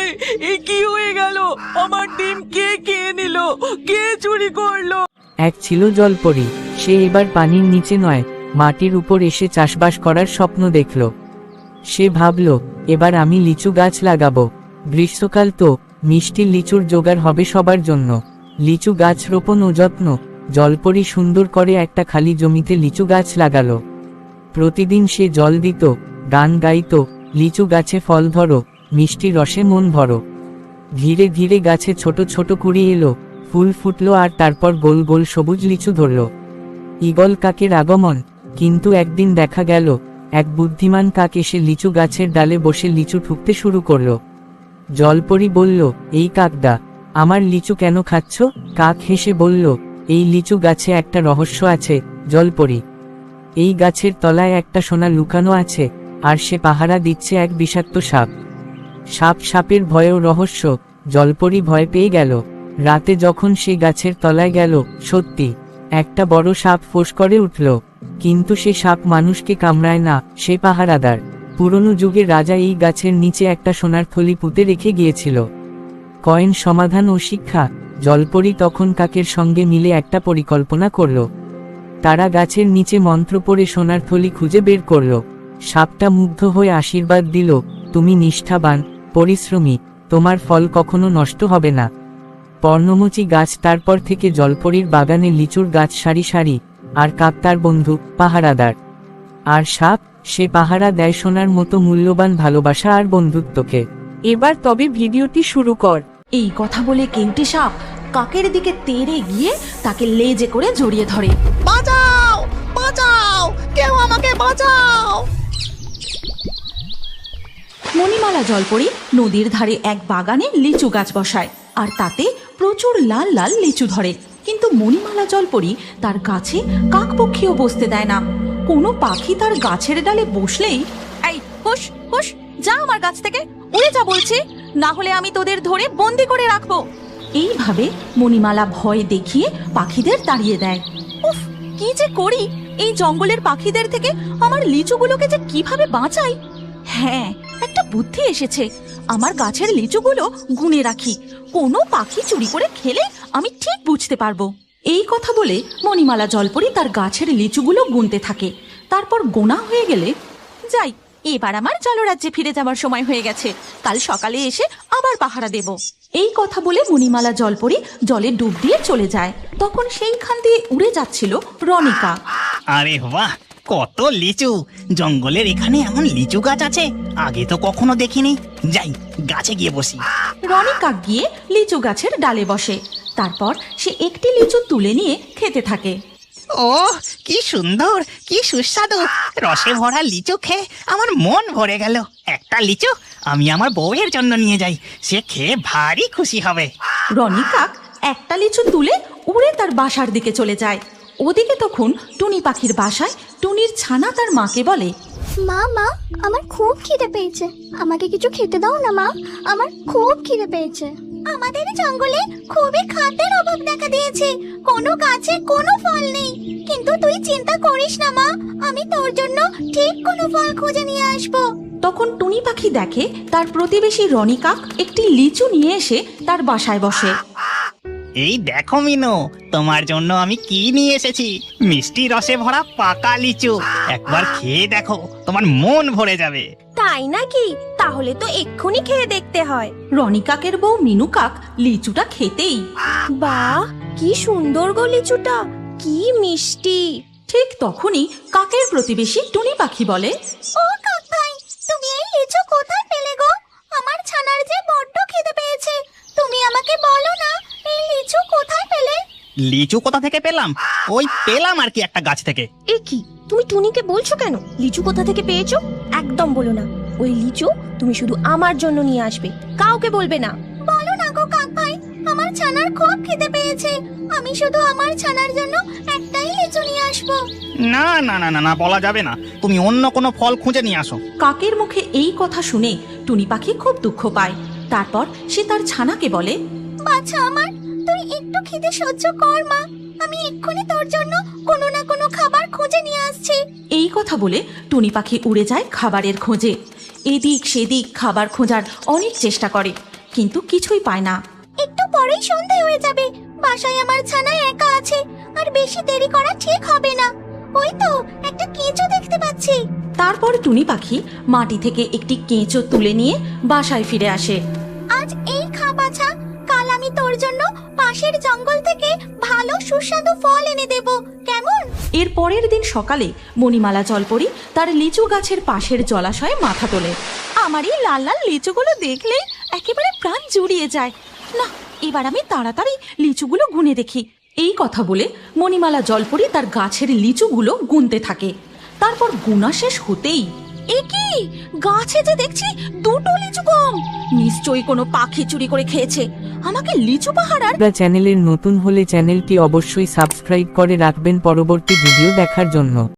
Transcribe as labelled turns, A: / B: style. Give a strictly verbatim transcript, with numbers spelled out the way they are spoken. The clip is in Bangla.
A: এ কি হয়ে গেল? আমার ডিম কে খেয়ে নিল? কে চুরি করলো?
B: এক ছিল জলপরি। সে এবার পানির নিচে নয়, মাটির উপর এসে চাষবাস করার স্বপ্ন দেখল। সে ভাবল, এবার আমি লিচু গাছ লাগাবো। গ্রীষ্মকাল তো, মিষ্টি লিচুর জোগাড় হবে সবার জন্য। লিচু গাছ রোপণ ও যত্ন। জলপরি সুন্দর করে একটা খালি জমিতে লিচু গাছ লাগালো। প্রতিদিন সে জল দিত, গান গাইত, লিচু গাছে ফল ধরো, মিষ্টি রসে মন ভরো। ধীরে ধীরে গাছে ছোট ছোট কুড়ি এলো, ফুল ফুটলো, আর তারপর গোল গোল সবুজ লিচু ধরল। ঈগল কাকের আগমন। কিন্তু একদিন দেখা গেল, এক বুদ্ধিমান কাক এসে লিচু গাছের ডালে বসে লিচু ঠুকতে শুরু করলো। জলপরি বলল, এই কাকদা, আমার লিচু কেন খাচ্ছ? কাক হেসে বলল, এই লিচু গাছে একটা রহস্য আছে জলপরি। এই গাছের তলায় একটা সোনা লুকানো আছে, আর সে পাহারা দিচ্ছে এক বিষাক্ত সাপ। সাপ সাপের ভয়েও রহস্য। জলপরি ভয় পেয়ে গেল। রাতে যখন সে গাছের তলায় গেল, সত্যি একটা বড় সাপ ফোঁস করে উঠল। কিন্তু সে সাপ মানুষকে কামড়ায় না, সে পাহারাদার। পুরনো যুগে রাজা এই গাছের নিচে একটা সোনার থলি পুঁতে রেখে গিয়েছিল। কয়েন, সমাধান ও শিক্ষা। জলপরি তখন কাকের সঙ্গে মিলে একটা পরিকল্পনা করল। তারা গাছের নিচে মন্ত্র পড়ে সোনার থলি খুঁজে বের করল। সাপটা মুগ্ধ হয়ে আশীর্বাদ দিল, তুমি নিষ্ঠাবান, পরিশ্রমী, তোমার ফল কখনো নষ্ট হবে না। পর্ণমোচী গাছ তারপর থেকে জলপরির বাগানে লিচুর গাছ সারি সারি, আর কাক তার বন্ধু, পাহারাদার। আর সাপ, সে পাহারা দেয় সোনার মতো মূল্যবান ভালোবাসা আর বন্ধুত্বকে।
A: এবার তবে ভিডিওটি শুরু কর।
C: এই কথা বলে কেউটে সাপ কাকের দিকে তেড়ে গিয়ে তাকে লেজে করে জড়িয়ে ধরে।
D: বাঁচাও, বাঁচাও, কেউ আমাকে বাঁচাও।
C: মণিমালা জলপরি নদীর ধারে এক বাগানে লিচু গাছ বসায়, আর তাতে প্রচুর লাল লাল লিচু ধরে। কিন্তু মণিমালা জলপরি তার গাছে কাকপক্ষীও বসতে দেয় না। কোনো পাখি তার গাছের ডালে বসলেই, এই হুশ হুশ, যা আমার গাছ থেকে, উড়ে যা বলছি, না হলে আমি তোদের ধরে বন্দি করে রাখবো। এইভাবে মণিমালা ভয় দেখিয়ে পাখিদের তাড়িয়ে দেয়। উফ, কি যে করি এই জঙ্গলের পাখিদের থেকে, আমার লিচুগুলোকে যে কিভাবে বাঁচাই। হ্যাঁ, একটা বুদ্ধি এসেছে। আমার গাছের লিচুগুলো গুনে রাখি, কোনো পাখি চুরি করে খেলে আমি ঠিক বুঝতে পারবো। এই কথা বলে মণিমালা জলপরি তার গাছের লিচুগুলো গুনতে থাকে। তারপর গোনা হয়ে গেলে, যাই, এবার আমার জলরাজ্যে ফিরে যাবার সময় হয়ে গেছে, কাল সকালে এসে আবার পাহারা দেব। এই কথা বলে মণিমালা জলপরি জলে ডুব দিয়ে চলে যায়। তখন সেইখান দিয়ে উড়ে যাচ্ছিল রনিকা।
D: আরে বাহ, কত লিচু! জঙ্গলের এখানে এমন লিচু গাছ আছে, আগে তো কখনো দেখিনি। যাই, গাছে গিয়ে বসি।
C: রনিকা গিয়ে লিচু গাছের ডালে বসে। তারপর সে একটি লিচু তুলে নিয়ে খেতে থাকে।
D: ও কি সুন্দর, কি সুস্বাদু! রসে ভরা লিচু খেয়ে আমার মন ভরে গেল। একটা লিচু আমি আমার বউয়ের জন্য নিয়ে যাই, সে খেয়ে ভারী খুশি হবে।
C: রনিকা একটা লিচু তুলে উড়ে তার বাসার দিকে চলে যায়। ওদিকে তখন টুনি পাখির বাসায় টুনির ছানা তার মাকে বলে,
E: মা মা আমার খুব খিদে পেয়েছে, আমাকে কিছু খেতে দাও না মা, আমার খুব খিদে পেয়েছে। আমাদের জঙ্গলে খুবই খাদ্যের অভাব দেখা দিয়েছে, কোনো গাছে কোনো ফল নেই। কিন্তু তুই চিন্তা করিস না মা, আমি তোর জন্য ঠিক কোনো ফল খুঁজে নিয়ে আসবো।
C: তখন টুনি পাখি দেখে তার প্রতিবেশী রনিকা একটি লিচু নিয়ে এসে তার বাসায় বসে।
D: এই দেখো মিনু, তোমার জন্য আমি কি নিয়ে এসেছি, মিষ্টি রসে ভরা পাকা লিচু। একবার খেয়ে দেখো, তোমার মন ভরে যাবে।
F: তাই নাকি? তাহলে তো এক্ষুনি খেয়ে দেখতে হয়।
C: রনিকাকের বউ মিনু কাক লিচুটা খেতেই,
F: বাহ, কি সুন্দর গো লিচুটা, কি মিষ্টি।
C: ঠিক তখনই কাকের প্রতিবেশী টুনি পাখি বলে,
E: ও কাক ভাই, তুমি এই লিচু কোথায় পেলে গো? আমার ছানার যে বড্ড খিদে পেয়েছে, তুমি আমাকে বলো না এই লিচু কোথায় পেলে?
D: লিচু কোথা থেকে পেলাম? ওই পেলাম আর কি একটা গাছ থেকে।
F: এ কি, তুমি টুনিকে বলছো কেন লিচু কোথা থেকে পেয়েছো? একদম বলো না, ওই লিচু তুমি শুধু আমার জন্য নিয়ে আসবে, কাউকে বলবে না।
E: বলো না গো কাক ভাই, আমার ছানার খুব খিদে পেয়েছে, আমি শুধু আমার ছানার জন্য একটাই লিচু নিয়ে আসবো।
D: না না না না না, বলা যাবে না, তুমি অন্য কোনো ফল খুঁজে নিয়ে আসো।
C: কাকের মুখে এই কথা শুনে টুনি পাখি খুব দুঃখ পায়। তারপর সে তার ছানাকে বলে,
E: বাছা আমার, তুই একটু খিদে সহ্য কর মা, আমি এক্ষুনি তোর জন্য কোনো না কোনো খাবার খুঁজে নিয়ে আসছি।
C: এই কথা বলে টুনি পাখি উড়ে যায় খাবারের খোঁজে। এদিক সেদিক খাবার খোঁজার অনেক চেষ্টা করে, কিন্তু কিছুই পায় না।
E: একটু পরেই সন্ধে হয়ে যাবে, বাসায় আমার ছানা একা আছে, আর বেশি দেরি করা ঠিক হবে না। ওই তো একটা কেঁচো দেখতে পাচ্ছি।
C: তারপর টুনি পাখি মাটি থেকে একটি কেঁচো তুলে নিয়ে বাসায় ফিরে আসে।
E: আজ এই খা বাছা, কাল আমি তোর জন্য পাশের জঙ্গল থেকে ভালো সুস্বাদু ফল এনে দেব, কেমন?
C: এর পরের দিন সকালে মণিমালা জলপরি তার লিচু গাছের পাশের জলাশয়ে মাথা তোলে। আমার এই লাল লাল লিচুগুলো দেখলেই একেবারে প্রাণ জুড়িয়ে যায়। না, এবার আমি তাড়াতাড়ি লিচুগুলো গুনে দেখি। এই কথা বলে মণিমালা জলপরি তার গাছের লিচুগুলো গুনতে থাকে। তারপর গুনা শেষ হতেই, এ কি, গাছে যে দেখছি দুটো লিচু কম, নিশ্চয়ই কোনো পাখি চুরি করে খেয়েছে। আমাকে লিচু পাহারার।
B: আপনারা চ্যানেলের নতুন হলে চ্যানেলটি অবশ্যই সাবস্ক্রাইব করে রাখবেন পরবর্তী ভিডিও দেখার জন্য।